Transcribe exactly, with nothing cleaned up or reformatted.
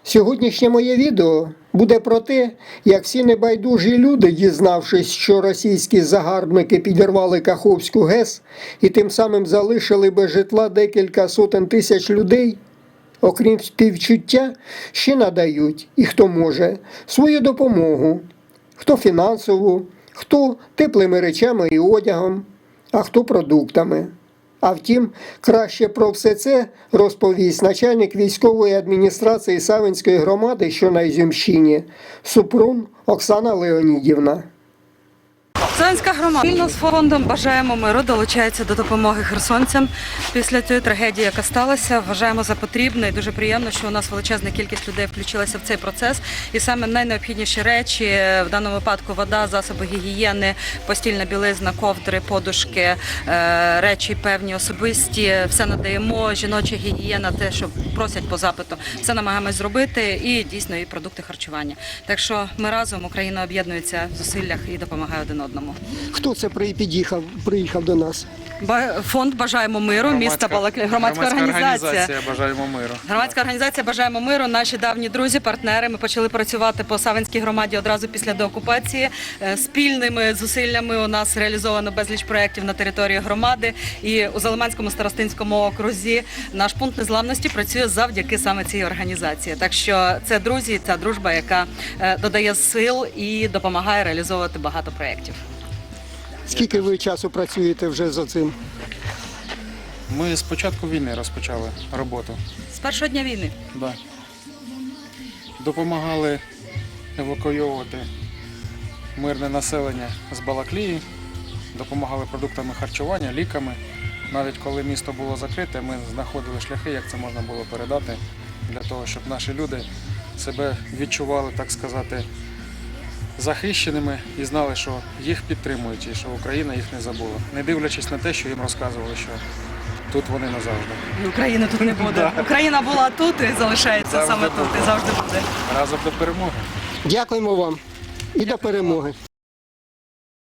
Сьогоднішнє моє відео буде про те, як всі небайдужі люди, дізнавшись, що російські загарбники підірвали Каховську ГЕС і тим самим залишили без житла декілька сотень тисяч людей, окрім співчуття, ще надають, і хто може, свою допомогу, хто фінансову, хто теплими речами і одягом, а хто продуктами. А втім, краще про все це розповість начальник військової адміністрації Савинської громади, що на Ізюмщині, Супрун Оксана Леонідівна. Савинська громада спільно з фондом «Бажаємо миру» долучається до допомоги херсонцям після тієї трагедії, яка сталася. Вважаємо за потрібне і дуже приємно, що у нас величезна кількість людей включилася в цей процес. І саме найнеобхідніші речі, в даному випадку вода, засоби гігієни, постільна білизна, ковдри, подушки, речі певні особисті, все надаємо, жіноча гігієна, те, що просять по запиту, все намагаємось зробити і дійсно і продукти харчування. Так що ми разом, Україна об'єднується в зусиллях і допомагає один одному. Хто це приїхав, приїхав до нас? Фонд «Бажаємо миру», міста Балаклія, громадська, громадська організація. організація «Бажаємо миру». Громадська організація «Бажаємо миру», наші давні друзі, партнери. Ми почали працювати по Савинській громаді одразу після деокупації. Спільними зусиллями у нас реалізовано безліч проєктів на території громади. І у Залиманському старостинському окрузі наш пункт незламності працює завдяки саме цій організації. Так що це друзі, ця дружба, яка додає сил і допомагає реалізовувати багато проєктів. Скільки ви часу працюєте вже за цим? Ми з початку війни розпочали роботу. З першого дня війни. Да. Допомагали евакуйовувати мирне населення з Балаклії, допомагали продуктами харчування, ліками. Навіть коли місто було закрите, ми знаходили шляхи, як це можна було передати, для того, щоб наші люди себе відчували, так сказати, захищеними і знали, що їх підтримують і що Україна їх не забула. Не дивлячись на те, що їм розказували, що тут вони назавжди. України тут не буде. Україна була тут і залишається Завжди саме тут, буде. і завжди буде. Разом до перемоги. Дякуємо вам і до перемоги.